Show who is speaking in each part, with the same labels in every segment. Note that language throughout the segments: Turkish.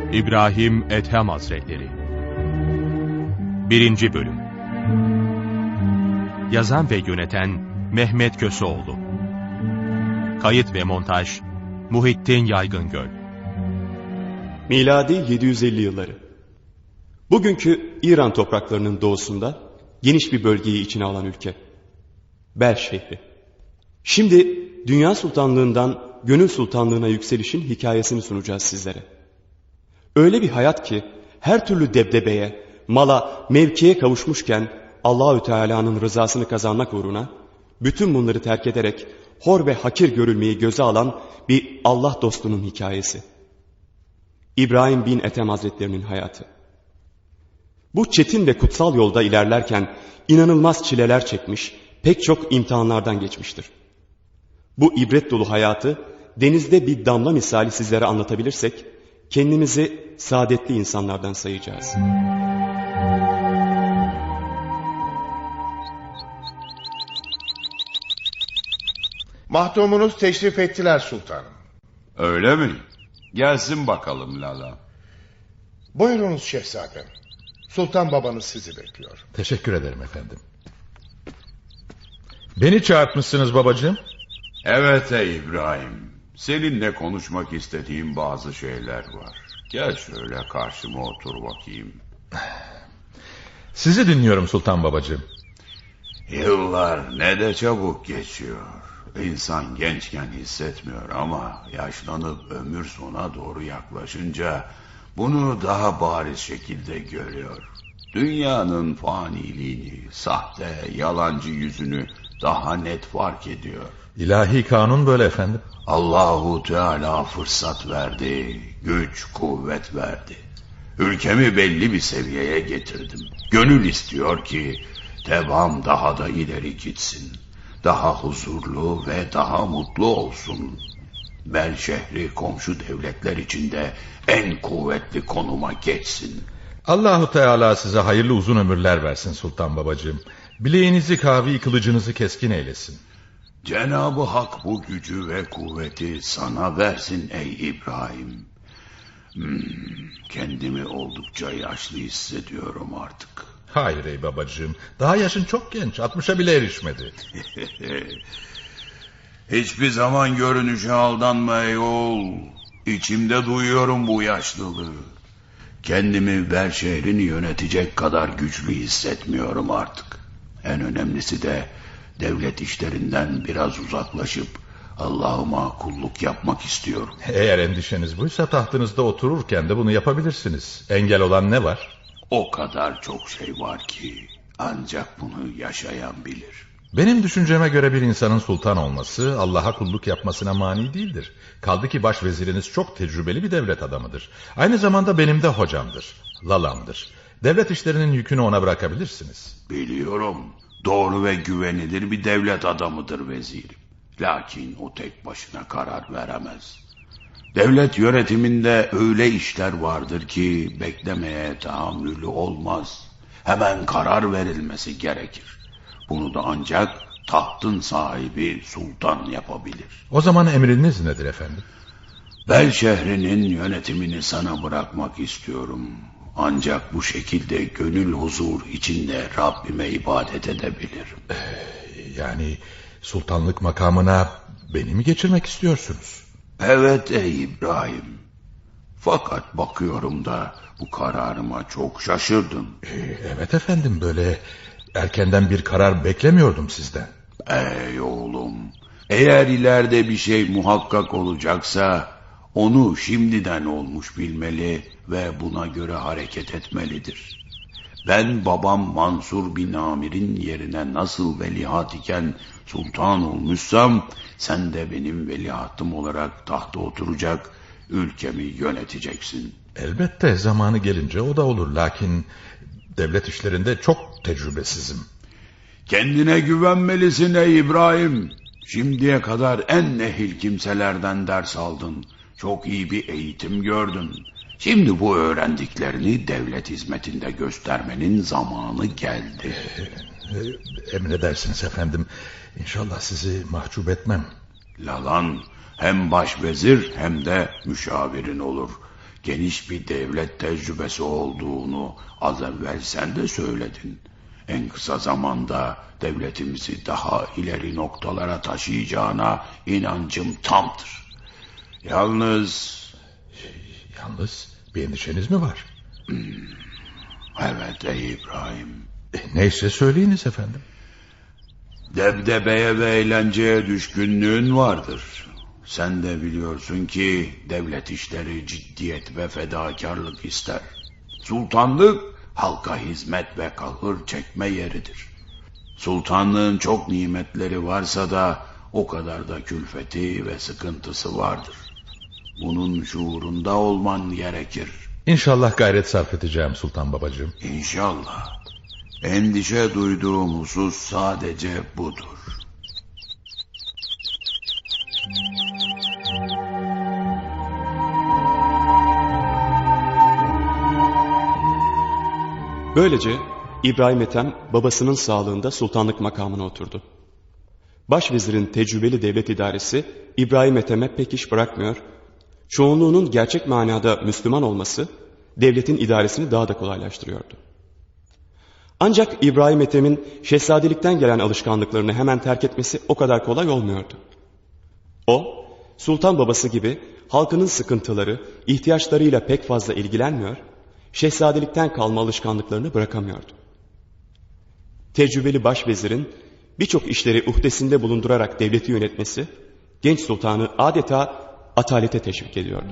Speaker 1: İbrahim Ethem Hazretleri 1. Bölüm. Yazan ve yöneten Mehmet Köseoğlu. Kayıt ve montaj Muhittin Yaygıngöl.
Speaker 2: Miladi 750 yılları. Bugünkü İran topraklarının doğusunda geniş bir bölgeyi içine alan ülke. Bel şehri. Şimdi dünya sultanlığından gönül sultanlığına yükselişin hikayesini sunacağız sizlere. Öyle bir hayat ki her türlü debdebeye, mala, mevkiye kavuşmuşken Allahü Teala'nın rızasını kazanmak uğruna bütün bunları terk ederek hor ve hakir görülmeyi göze alan bir Allah dostunun hikayesi. İbrahim bin Ethem Hazretlerinin hayatı. Bu çetin ve kutsal yolda ilerlerken inanılmaz çileler çekmiş, pek çok imtihanlardan geçmiştir. Bu ibret dolu hayatı denizde bir damla misali sizlere anlatabilirsek, kendimizi saadetli insanlardan sayacağız.
Speaker 3: Mahdumunuz teşrif ettiler sultanım.
Speaker 4: Öyle mi? Gelsin bakalım Lala.
Speaker 3: Buyurunuz şehzadem. Sultan babanız sizi bekliyor.
Speaker 5: Teşekkür ederim efendim. Beni çağırtmışsınız babacığım.
Speaker 4: Evet ey İbrahim. Seninle konuşmak istediğim bazı şeyler var. Gel şöyle karşıma otur bakayım.
Speaker 5: Sizi dinliyorum sultan babacığım.
Speaker 4: Yıllar ne de çabuk geçiyor. İnsan gençken hissetmiyor ama yaşlanıp ömür sona doğru yaklaşınca bunu daha bariz şekilde görüyor. Dünyanın faniliğini, sahte, yalancı yüzünü daha net fark ediyor.
Speaker 5: İlahi kanun böyle efendim.
Speaker 4: Allahu Teala fırsat verdi, güç, kuvvet verdi. Ülkemi belli bir seviyeye getirdim. Gönül istiyor ki devam daha da ileri gitsin. Daha huzurlu ve daha mutlu olsun. Bel şehri komşu devletler içinde en kuvvetli konuma geçsin.
Speaker 5: Allahu Teala size hayırlı uzun ömürler versin sultan babacığım. Bileğinizi kavi, kılıcınızı keskin eylesin.
Speaker 4: Cenab-ı Hak bu gücü ve kuvveti sana versin ey İbrahim. Kendimi oldukça yaşlı hissediyorum artık.
Speaker 5: Hayır ey babacığım, daha yaşın çok genç, 60'a bile erişmedi.
Speaker 4: Hiçbir zaman görünüşe aldanma ey oğul. İçimde duyuyorum bu yaşlılığı. Kendimi Bel şehrini yönetecek kadar güçlü hissetmiyorum artık. En önemlisi de devlet işlerinden biraz uzaklaşıp Allah'ıma kulluk yapmak istiyorum.
Speaker 5: Eğer endişeniz buysa tahtınızda otururken de bunu yapabilirsiniz. Engel olan ne var?
Speaker 4: O kadar çok şey var ki ancak bunu yaşayan bilir.
Speaker 5: Benim düşünceme göre bir insanın sultan olması Allah'a kulluk yapmasına mani değildir. Kaldı ki başveziriniz çok tecrübeli bir devlet adamıdır. Aynı zamanda benim de hocamdır, lalamdır. Devlet işlerinin yükünü ona bırakabilirsiniz.
Speaker 4: Biliyorum, doğru ve güvenilir bir devlet adamıdır vezirim. Lakin o tek başına karar veremez. Devlet yönetiminde öyle işler vardır ki beklemeye tahammülü olmaz. Hemen karar verilmesi gerekir. Bunu da ancak tahtın sahibi sultan yapabilir.
Speaker 5: O zaman emriniz nedir efendim?
Speaker 4: Bel şehrinin yönetimini sana bırakmak istiyorum. Ancak bu şekilde gönül huzur içinde Rabbime ibadet edebilirim.
Speaker 5: Yani sultanlık makamına beni mi geçirmek istiyorsunuz?
Speaker 4: Evet ey İbrahim. Fakat bakıyorum da bu kararıma çok şaşırdım.
Speaker 5: Evet efendim, böyle erkenden bir karar beklemiyordum sizden.
Speaker 4: Ey oğlum, eğer ileride bir şey muhakkak olacaksa onu şimdiden olmuş bilmeli ve buna göre hareket etmelidir. Ben babam Mansur bin Amir'in yerine nasıl veliaht iken sultan olmuşsam sen de benim veliahtım olarak tahta oturacak, ülkemi yöneteceksin.
Speaker 5: Elbette zamanı gelince o da olur, lakin devlet işlerinde çok tecrübesizim.
Speaker 4: Kendine güvenmelisin ey İbrahim. Şimdiye kadar en ehil kimselerden ders aldın. Çok iyi bir eğitim gördün. Şimdi bu öğrendiklerini devlet hizmetinde göstermenin zamanı geldi.
Speaker 5: Emredersiniz efendim. İnşallah sizi mahcup etmem.
Speaker 4: Lalan hem başvezir hem de müşavirin olur. geniş bir devlet tecrübesi olduğunu az evvel sen de söyledin. En kısa zamanda devletimizi daha ileri noktalara taşıyacağına inancım tamdır. Yalnız
Speaker 5: bir endişeniz mi var?
Speaker 4: Evet ey İbrahim.
Speaker 5: Neyse söyleyiniz efendim.
Speaker 4: Debdebeye ve eğlenceye düşkünlüğün vardır. Sen de biliyorsun ki devlet işleri ciddiyet ve fedakarlık ister. Sultanlık halka hizmet ve kahır çekme yeridir. Sultanlığın çok nimetleri varsa da o kadar da külfeti ve sıkıntısı vardır. Bunun şuurunda olman gerekir.
Speaker 5: İnşallah gayret sarf edeceğim sultan babacığım.
Speaker 4: İnşallah. Endişe duyduğum husus sadece budur.
Speaker 2: Böylece İbrahim Ethem babasının sağlığında sultanlık makamına oturdu. Başvezirin tecrübeli devlet idaresi İbrahim Ethem'e pek iş bırakmıyor, çoğunluğunun gerçek manada Müslüman olması devletin idaresini daha da kolaylaştırıyordu. Ancak İbrahim Ethem'in şehzadelikten gelen alışkanlıklarını hemen terk etmesi o kadar kolay olmuyordu. O, sultan babası gibi halkının sıkıntıları, ihtiyaçlarıyla pek fazla ilgilenmiyor, şehzadelikten kalma alışkanlıklarını bırakamıyordu. Tecrübeli başvezirin birçok işleri uhdesinde bulundurarak devleti yönetmesi, genç sultanı adeta atalete teşvik ediyordu.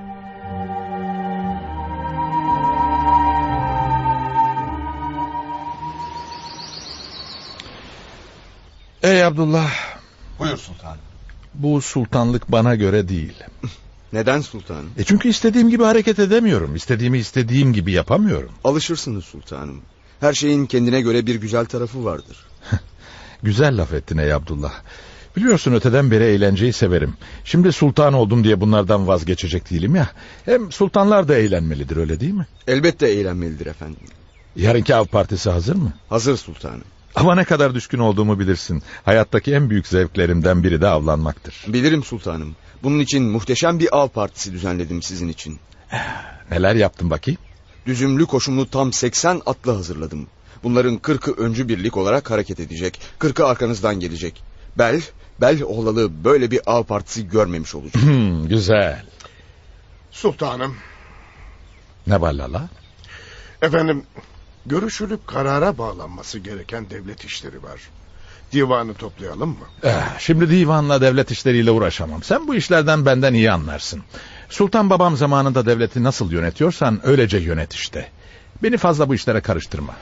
Speaker 5: Ey Abdullah,
Speaker 6: Buyur sultanım.
Speaker 5: bu sultanlık bana göre değil.
Speaker 6: Neden sultanım?
Speaker 5: Çünkü istediğim gibi hareket edemiyorum. İstediğimi istediğim gibi yapamıyorum.
Speaker 6: Alışırsınız sultanım. Her şeyin kendine göre bir güzel tarafı vardır.
Speaker 5: Güzel laf ettin ey Abdullah. Biliyorsun öteden beri eğlenceyi severim. Şimdi sultan oldum diye bunlardan vazgeçecek değilim ya. Hem sultanlar da eğlenmelidir, öyle değil mi?
Speaker 6: Elbette eğlenmelidir efendim.
Speaker 5: Yarınki av partisi hazır mı?
Speaker 6: Hazır sultanım.
Speaker 5: Ama ne kadar düşkün olduğumu bilirsin. Hayattaki en büyük zevklerimden biri de avlanmaktır.
Speaker 6: Bilirim sultanım. Bunun için muhteşem bir av partisi düzenledim sizin için.
Speaker 5: Neler yaptın bakayım?
Speaker 6: Düzümlü koşumlu tam 80 atlı hazırladım. Bunların 40'ı öncü birlik olarak hareket edecek. 40'ı arkanızdan gelecek. Bel oğlalı böyle bir av partisi görmemiş olacak.
Speaker 5: Güzel.
Speaker 3: Sultanım,
Speaker 5: Ne var Lala?
Speaker 3: efendim, görüşülüp karara bağlanması gereken devlet işleri var. Divanı toplayalım mı?
Speaker 5: Şimdi divanla devlet işleriyle uğraşamam. Sen bu işlerden benden iyi anlarsın. Sultan babam zamanında devleti nasıl yönetiyorsan öylece yönet işte. Beni fazla bu işlere karıştırma.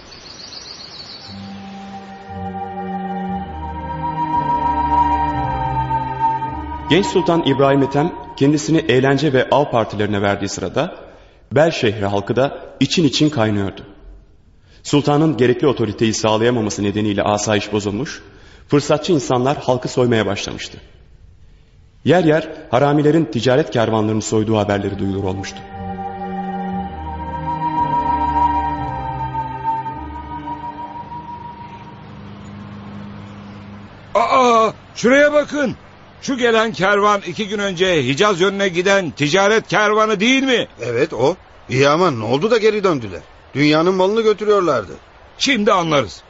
Speaker 2: Genç Sultan İbrahim Ethem kendisini eğlence ve av partilerine verdiği sırada Bel şehri halkı da için için kaynıyordu. Sultanın gerekli otoriteyi sağlayamaması nedeniyle asayiş bozulmuş, fırsatçı insanlar halkı soymaya başlamıştı. Yer yer haramilerin ticaret kervanlarını soyduğu haberleri duyulur olmuştu.
Speaker 7: Aa, şuraya bakın. Şu gelen kervan 2 gün önce Hicaz yönüne giden ticaret kervanı değil mi?
Speaker 8: Evet o. İyi ama ne oldu da geri döndüler? Dünyanın malını götürüyorlardı.
Speaker 7: Şimdi anlarız.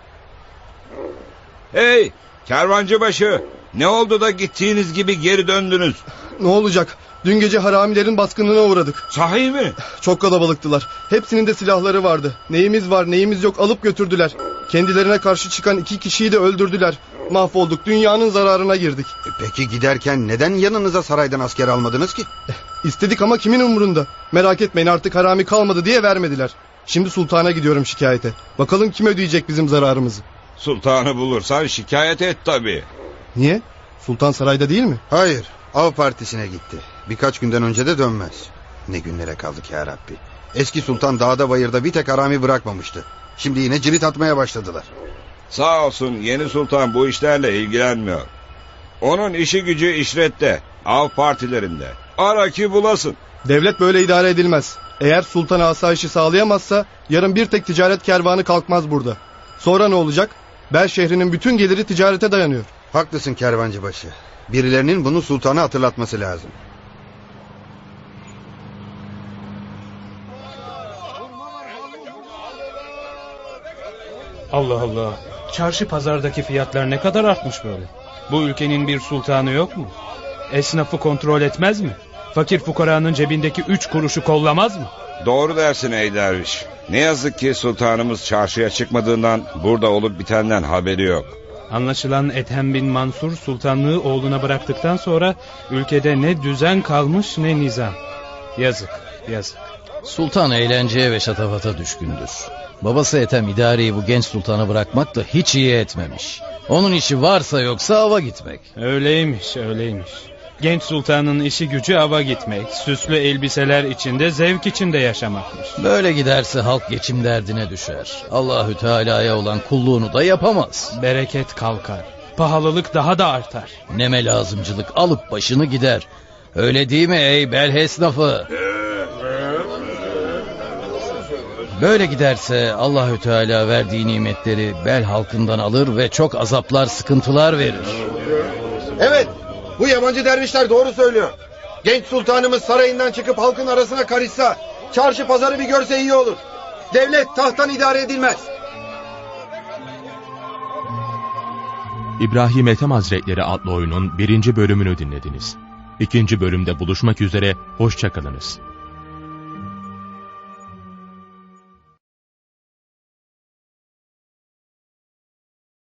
Speaker 7: Hey, kervancıbaşı, ne oldu da gittiğiniz gibi geri döndünüz?
Speaker 9: Ne olacak? Dün gece haramilerin baskınına uğradık.
Speaker 7: Sahi mi?
Speaker 9: Çok kalabalıktılar. Hepsinin de silahları vardı. Neyimiz var neyimiz yok alıp götürdüler. Kendilerine karşı çıkan 2 kişiyi de öldürdüler. Mahvolduk, dünyanın zararına girdik.
Speaker 8: Peki giderken neden yanınıza saraydan asker almadınız ki?
Speaker 9: İstedik ama kimin umurunda? Merak etmeyin, artık harami kalmadı diye vermediler. Şimdi sultana gidiyorum şikayete. Bakalım kim ödeyecek bizim zararımızı.
Speaker 7: Sultanı bulursan şikayet et tabii.
Speaker 9: Niye? Sultan sarayda değil mi?
Speaker 8: Hayır, av partisine gitti. Birkaç günden önce de dönmez. Ne günlere kaldık ya Rabbi. Eski sultan dağda bayırda bir tek harami bırakmamıştı. Şimdi yine cirit atmaya başladılar.
Speaker 7: Sağ olsun yeni sultan bu işlerle ilgilenmiyor. Onun işi gücü işrette, av partilerinde. Ara ki bulasın.
Speaker 9: Devlet böyle idare edilmez. Eğer sultan asayişi sağlayamazsa yarın bir tek ticaret kervanı kalkmaz burada. Sonra ne olacak? Bel şehrinin bütün geliri ticarete dayanıyor.
Speaker 8: Haklısın kervancıbaşı. Birilerinin bunu sultana hatırlatması lazım.
Speaker 10: Allah Allah. Çarşı pazardaki fiyatlar ne kadar artmış böyle? Bu ülkenin bir sultanı yok mu? Esnafı kontrol etmez mi? Fakir fukaranın cebindeki 3 kuruşu kollamaz mı?
Speaker 7: Doğru dersin ey derviş. Ne yazık ki sultanımız çarşıya çıkmadığından burada olup bitenden haberi yok.
Speaker 10: Anlaşılan Ethem bin Mansur sultanlığı oğluna bıraktıktan sonra ülkede ne düzen kalmış ne nizam. Yazık, yazık.
Speaker 11: Sultan eğlenceye ve şatafata düşkündür. Babası Ethem idareyi bu genç sultana bırakmak da hiç iyi etmemiş. Onun işi varsa yoksa ava gitmek.
Speaker 10: Öyleymiş, öyleymiş. Genç sultanın işi gücü ava gitmek, süslü elbiseler içinde, zevk içinde yaşamakmış.
Speaker 11: Böyle giderse halk geçim derdine düşer. Allahü Teala'ya olan kulluğunu da yapamaz.
Speaker 10: Bereket kalkar, pahalılık daha da artar.
Speaker 11: Neme lazımcılık alıp başını gider. Öyle değil mi ey bel esnafı? Böyle giderse Allahü Teala verdiği nimetleri bel halkından alır ve çok azaplar, sıkıntılar verir.
Speaker 8: Evet, bu yabancı dervişler doğru söylüyor. Genç sultanımız sarayından çıkıp halkın arasına karışsa, çarşı pazarı bir görse iyi olur. Devlet tahttan idare edilmez.
Speaker 1: İbrahim Ethem Hazretleri adlı oyunun 1. bölümünü dinlediniz. 2. bölümde buluşmak üzere, hoşça kalınız.